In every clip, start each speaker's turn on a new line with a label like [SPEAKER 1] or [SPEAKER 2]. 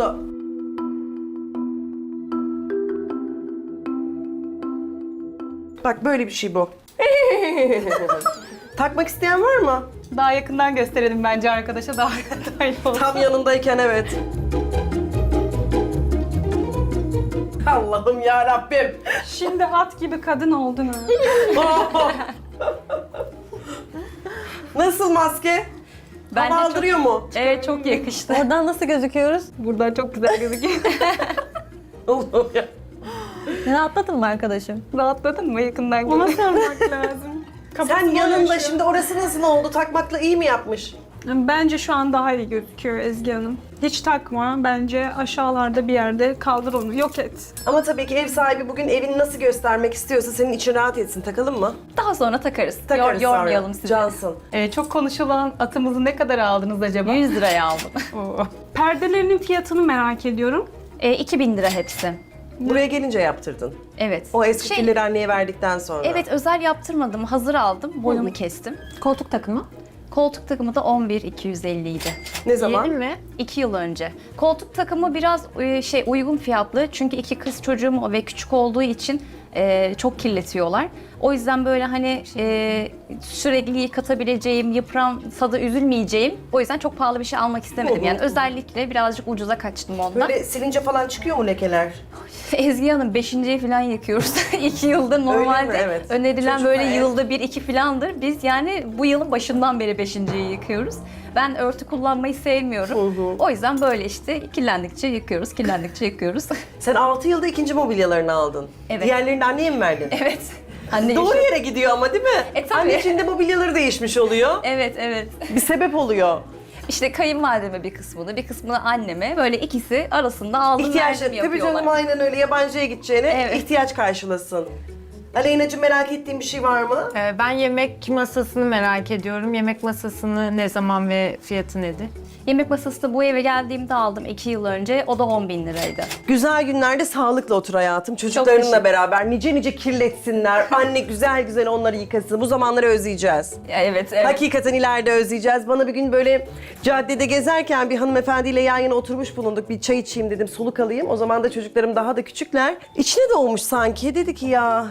[SPEAKER 1] oldu. Bak böyle bir şey bu. Takmak isteyen var mı?
[SPEAKER 2] Daha yakından gösterelim bence arkadaşa daha iyi olur.
[SPEAKER 1] Tam yanındayken evet. Allah'ım ya Rabbim.
[SPEAKER 2] Şimdi at gibi kadın oldun ha.
[SPEAKER 1] Nasıl maske?
[SPEAKER 2] Bence
[SPEAKER 1] Hava
[SPEAKER 2] çok-
[SPEAKER 1] aldırıyor mu?
[SPEAKER 2] Evet çok yakıştı.
[SPEAKER 3] Oradan nasıl gözüküyoruz?
[SPEAKER 2] Buradan çok güzel gözüküyor.
[SPEAKER 1] Allah'ım ya.
[SPEAKER 3] Rahatladın mı arkadaşım?
[SPEAKER 2] Rahatladın mı? Yakından görmek lazım.
[SPEAKER 1] Sen yanında şimdi orası nasıl oldu? Takmakla iyi mi yapmış?
[SPEAKER 2] Bence şu an daha iyi gözüküyor Ezgi Hanım. Hiç takma. Bence aşağılarda bir yerde kaldır onu. Yok et.
[SPEAKER 1] Ama tabii ki ev sahibi bugün evini nasıl göstermek istiyorsa senin için rahat etsin. Takalım mı?
[SPEAKER 4] Daha sonra takarız.
[SPEAKER 1] Takarız
[SPEAKER 4] Yormayalım
[SPEAKER 1] sonra.
[SPEAKER 4] sizi.
[SPEAKER 1] Cansın.
[SPEAKER 2] Çok konuşulan atımızı ne kadar aldınız acaba?
[SPEAKER 4] 100 liraya aldım.
[SPEAKER 2] Oo. Perdelerinin fiyatını merak ediyorum.
[SPEAKER 4] 2000 lira hepsi.
[SPEAKER 1] Buraya gelince yaptırdın.
[SPEAKER 4] Evet.
[SPEAKER 1] O eski pilleri anneye verdikten sonra.
[SPEAKER 4] Evet, özel yaptırmadım. Hazır aldım. Boyunu kestim.
[SPEAKER 3] Koltuk takımı.
[SPEAKER 4] Koltuk takımı da 11.250 idi.
[SPEAKER 1] Ne zaman?
[SPEAKER 4] Yeni mi? 2 yıl önce. Koltuk takımı biraz uygun fiyatlı. Çünkü 2 kız çocuğum ve küçük olduğu için çok kirletiyorlar. O yüzden böyle hani sürekli yıkatabileceğim, yıpransa da üzülmeyeceğim. O yüzden çok pahalı bir şey almak istemedim. Yani özellikle birazcık ucuza kaçtım ondan.
[SPEAKER 1] Böyle silince falan çıkıyor mu lekeler?
[SPEAKER 4] Ezgi Hanım 5.yi falan yıkıyoruz. 2 yıldır normalde
[SPEAKER 1] Evet.
[SPEAKER 4] önerilen
[SPEAKER 1] Çocuk
[SPEAKER 4] böyle
[SPEAKER 1] ve ev.
[SPEAKER 4] yılda 1-2 falandır. Biz yani bu yılın başından beri 5.yi yıkıyoruz. Ben örtü kullanmayı sevmiyorum. O yüzden böyle işte kirlendikçe yıkıyoruz, kirlendikçe yıkıyoruz.
[SPEAKER 1] Sen 6 yılda ikinci mobilyalarını aldın.
[SPEAKER 4] Evet.
[SPEAKER 1] Diğerlerini de anneye mi verdin?
[SPEAKER 4] Evet. Anne
[SPEAKER 1] Doğru
[SPEAKER 4] işi-
[SPEAKER 1] yere gidiyor ama değil mi?
[SPEAKER 4] Tabii.
[SPEAKER 1] Anneciğin de mobilyaları değişmiş oluyor.
[SPEAKER 4] Evet, evet.
[SPEAKER 1] Bir sebep oluyor.
[SPEAKER 4] İşte kayınvalideme bir kısmını, bir kısmını anneme böyle ikisi arasında aldım
[SPEAKER 1] İhtiyaç
[SPEAKER 4] verdim
[SPEAKER 1] tabii
[SPEAKER 4] yapıyorlar.
[SPEAKER 1] canım aynen öyle yabancıya gideceğine
[SPEAKER 4] Evet.
[SPEAKER 1] ihtiyaç karşılasın. Aleyna'cığım merak ettiğin bir şey var mı?
[SPEAKER 5] Ben yemek masasını merak ediyorum. Yemek masasını ne zaman ve fiyatı nedir?
[SPEAKER 4] Yemek masası da bu eve geldiğimde aldım 2 yıl önce. O da 10.000 liraydı.
[SPEAKER 1] Güzel günlerde sağlıkla otur hayatım. Çocuklarınla
[SPEAKER 4] teşekkür-
[SPEAKER 1] beraber nice nice kirletsinler. Anne güzel güzel onları yıkasın. Bu zamanları özleyeceğiz.
[SPEAKER 4] Evet, evet.
[SPEAKER 1] Hakikaten ileride özleyeceğiz. Bana bir gün böyle caddede gezerken bir hanımefendiyle yan yana oturmuş bulunduk. Bir çay içeyim dedim, soluk alayım. O zaman da çocuklarım daha da küçükler. İçine doğmuş sanki. Dedi ki ya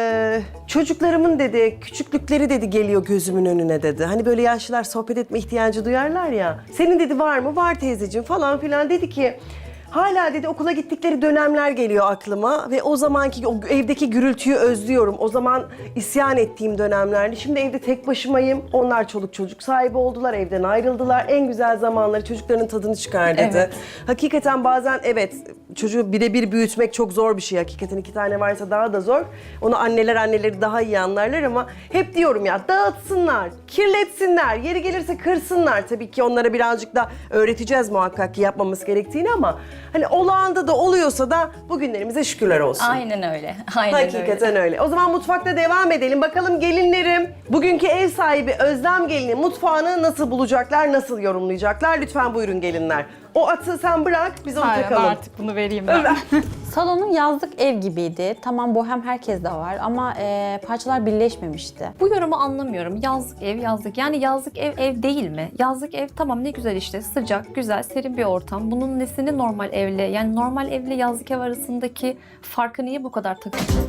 [SPEAKER 1] çocuklarımın dedi küçüklükleri dedi geliyor gözümün önüne dedi. Hani böyle yaşlılar sohbet etme ihtiyacı duyarlar ya. Senin dedi var mı? Var teyzeciğim falan filan. Dedi ki hala dedi okula gittikleri dönemler geliyor aklıma ve o zamanki o evdeki gürültüyü özlüyorum. O zaman isyan ettiğim dönemlerdi. Şimdi evde tek başımayım. Onlar çoluk çocuk sahibi oldular, evden ayrıldılar. En güzel zamanları çocukların tadını çıkar dedi.
[SPEAKER 4] Evet.
[SPEAKER 1] Hakikaten bazen evet çocuğu birebir büyütmek çok zor bir şey. Hakikaten 2 tane varsa daha da zor. Onu anneleri daha iyi anlarlar ama hep diyorum ya dağıtsınlar, kirletsinler, yeri gelirse kırsınlar. Tabii ki onlara birazcık da öğreteceğiz muhakkak ki yapmamız gerektiğini ama hani olağanda da oluyorsa da bugünlerimize şükürler olsun.
[SPEAKER 4] Aynen öyle. Aynen öyle.
[SPEAKER 1] Hakikaten öyle. O zaman mutfakta devam edelim. Bakalım gelinlerim, bugünkü ev sahibi Özlem gelini mutfağını nasıl bulacaklar, nasıl yorumlayacaklar? Lütfen buyurun gelinler. O atı sen bırak, biz onu
[SPEAKER 2] Hayır,
[SPEAKER 1] takalım.
[SPEAKER 2] artık bunu vereyim ben.
[SPEAKER 3] Salonun yazlık ev gibiydi. Tamam bohem herkes de var ama parçalar birleşmemişti.
[SPEAKER 4] Bu yorumu anlamıyorum. Yazlık ev, yazlık. Yani yazlık ev, ev değil mi? Yazlık ev tamam ne güzel işte. Sıcak, güzel, serin bir ortam. Bunun nesini normal evle? Yani normal evle yazlık ev arasındaki farkı niye bu kadar takıyorsunuz?